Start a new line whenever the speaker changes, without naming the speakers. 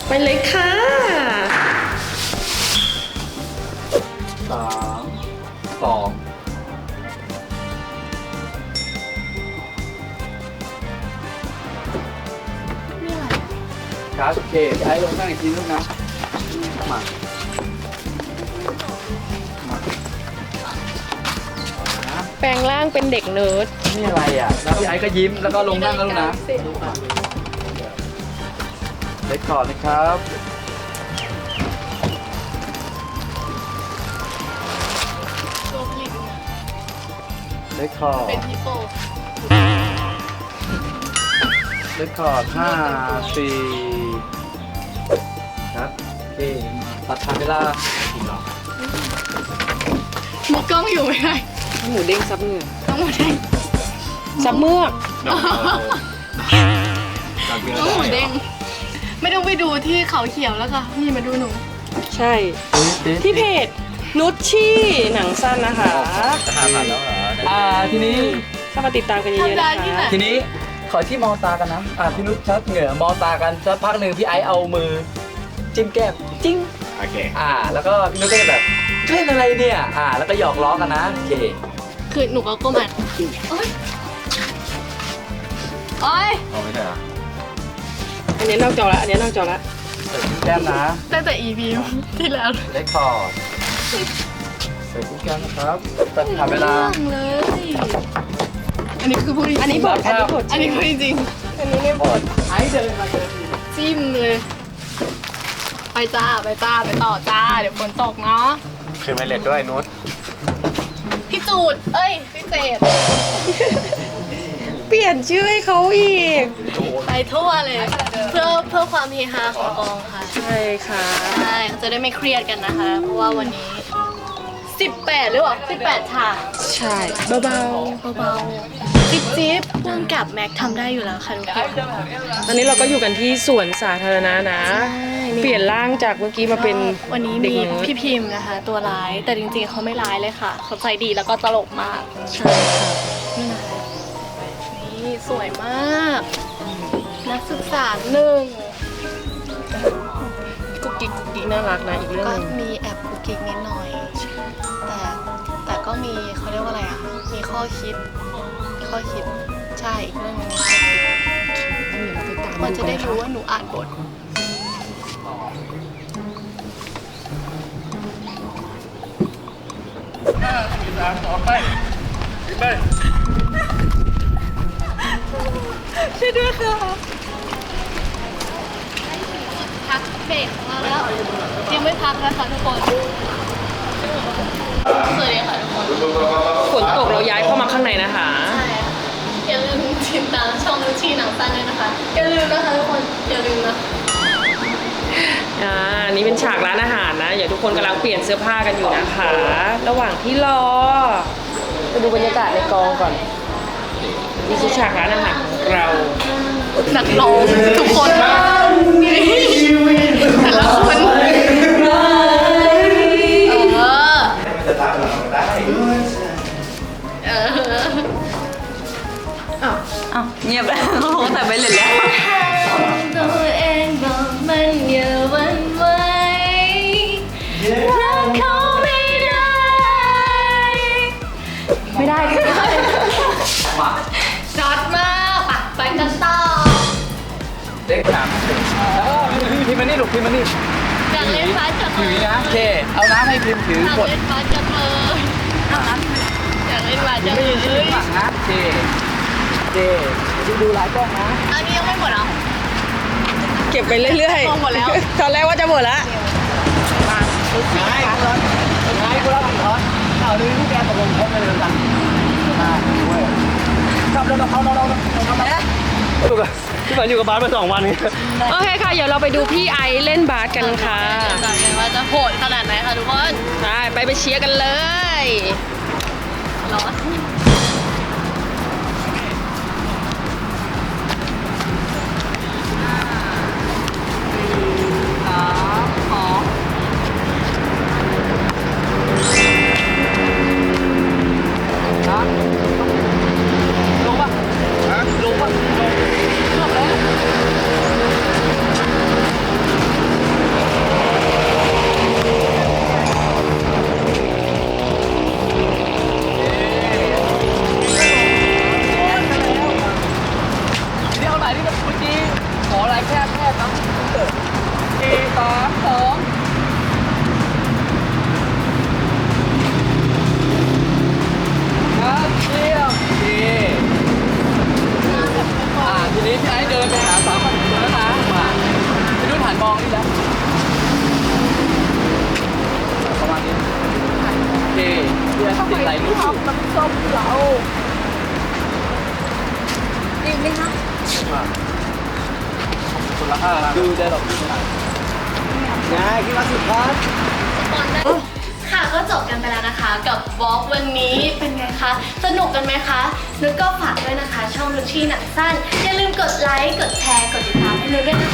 ไปเลยค่ะ
3 2ครับโอเคพี่ไอ้ลงนั่งอีกทีนึงนะมา
แปลงร่างเป็นเด็กเนิร์ด
นี่อะไรอ่ะแล้วพี่ไอ้ก็ยิ้มแล้วก็ลงนั่งแล้วลูกนะเล็กก่อนนะครับเล็กคอร์ด
เป็นฮิปโป
เล็กคอร์ด5 4ครับโอเคตัดทางเวลา
มีกล้องอยู่ไหมไง
หมูเด้งซับเหงื่อ
ต้องหมูเด้ง
ซับเมือก
ต้องหมูเด้งไม่ต้องไปดูที่เขาเขียวแล้วค่ะนี่มาดูหนู
ใช่ ที่เพจนุชชี่หนังสั้นนะคะ
จะ5,000แล้วเหรอทีนี้
เข้ามาติดตามกันเยอะๆนะคะ
ทีนี้ขอที่มองตากันนะพี่นุชชัดเหงื่อมองตากันสักพักหนึ่งพี่ไอซ์เอามือจิ้มแก้มจิ้ง
โอเค
แล้วก็พี่นุชก็จะแบบเล่นอะไรเนี่ยแล้วก็หยอกล้อกันนะโอเค
คือหนูก็ก้มอ่ะโอ๊ยโอ๊ย
เอาไม่ใช่เหรอ
อันนี้นอกจอละอันนี้นอกจอละ
ใส่จิ้มแก้มนะ
ตั้งแต่ EP ที่แล้ว
เลคคอร์ดใส่จิ้มแก้มนะครับตัดขาเวลา
เรื่องเลยอันนี้คือพูดจริงๆ
อันนี้บทอันนี้บท
อันนี้พูดจริง
อันนี้ไม่บท
ไอซ์เดินมาเดิน
ๆจิ้มเลยไปจ้าไปจ้าไปต่อจ้าเดี๋ยวฝนตกเนาะ
คือไม่เล็ดด้วยนุช
พี่จูดเอ้ยพี่เจด
เปลี่ยนชื่อให้เขาอีก
ไปทั่วเลยเพื่อความเฮฮาของกองค่ะ
ใช่ค่ะ
ใช่จะได้ไม่เครียดกันนะคะ เพราะว่าวันนี้ 18หรือเปล่า18ฉาก
ใช่เบา
เบาๆจิ๊บๆพ่วงกับแม็กทำได้อยู่แล้วค่ะทุกคน
ๆตอนนี้เราก็อยู่กันที่สวนสาธารณะนะ เปลี่ยนร่างจากเมื่อกี้มาเป็น
วันนี้
เด็ก
มี
เนิร์ด
พี่พิมพ์นะคะ ตัวร้ายแต่จริงๆเขาไม่ร้ายเลยค่ะเขาใจดีแล้วก็ตลกมาก
ใช่ค่ะ
นี่นะคะนี่สวยมาก นักศึกษาหนึ่ง
กุ๊กกิ๊กกุ๊กกิ๊กน่ารักนะอีกเรื่อง
ก็
หนึง
มีแอบกุกกิ๊กนิดหน่อย แต่ก็มีเขาเรียกว่าอะไรอ่ะ มีข้อคิดใช่อีกเรื่องหนึงมีข้อคิด
เดี๋ยวเราไปตาม
มันจะได้
กั
รู้
น
ว่าหนูอ่านบท
ต่อไปไป
ช่วยด้วยค่ะพักเบรกมาแล้วยังไม่พักนะคะทุกคนสวัสดีค่ะทุกคน
ฝนตกเราย้ายเข้ามาข้างในนะคะ
ใช่ค่ะอย่าลืมติดตามช่องนุชชีหนังสั้นด้วยนะคะอย่าลืมนะคะทุกคนอย่าลืมนะ
นี่เป็นฉากร้านอาหารนะเดี๋ยวทุกคนกำลังเปลี่ยนเสื้อผ้ากันอยู่นะคะ ระหว่างที่รอไปดูบรรยากาศในกองก่อนนี่คือฉากร้านอาหารของเรา
นักร้องทุกคนแต่ละคน
เงียบแล้วแต่ไปเลยแล้ว
ตัวเองบอกมันอย่าหวั่นไหวรักเขาไม่ได้ช็อตมากไปกันต่อ
เด็กถามพิมพ์มานี่ลูกพิมพ์มานี่
อยากเล่นบาสจังเล
ถือย นะโอเคเอาน้ำให้พิมพ์ถือ
อยาก
กด
เล่นบาสจังเลยอยากเล่นบาสจัง
ไม่
เล
ยินเสียง
ย
หลังนะโอเคดูหลายกล้องนะ
อันนี้ยังไม่หมดอ่ะ
เก็บไปเรื่อย
หมดแล้ว
ตอนแรกว่าจะหมดแล้ว
ไม่กูรับผิดชอบเอาดูลูกแกตกลงเขาเลยกันครับเราพี่ฝันอยู่กับบาสมา2 วันนี้
โอเคค่ะ เดี๋ยวเราไปดูพี่ไอซ์เล่นบาสกันค่ะ
เดี๋ยวกันว่าจะโหดขนาดไหนค่ะทุกคน
ไปเชียร์กันเลย
ร้อน
ลงป่ะลงป่ะลงแล้ว 3 2ครับเยี่ยมโอเคทีนี้พี่ไอ้เดินไปหาสาวคนนู้นแล้วนะมาพี่นุ่นหันมองนี่แล้วประมาณนี้โอเคพี่ไอ้ติดไหลนุ่นอยู่
น้ำส้มเราดีไหมคะ
คนละ5
ดูได้หรอกง่ายคิดว่าสุดครับ
ค่ะก็จบกันไปแล้วนะคะ กับบล็อกวันนี้เป็นไงคะ สนุกกันไหมคะนุชก็ฝากด้วยนะคะ ช่องนุชชี่หนังสั้น อย่าลืมกดไลค์ กดแชร์ กดติดตามให้นุชด้วยนะคะ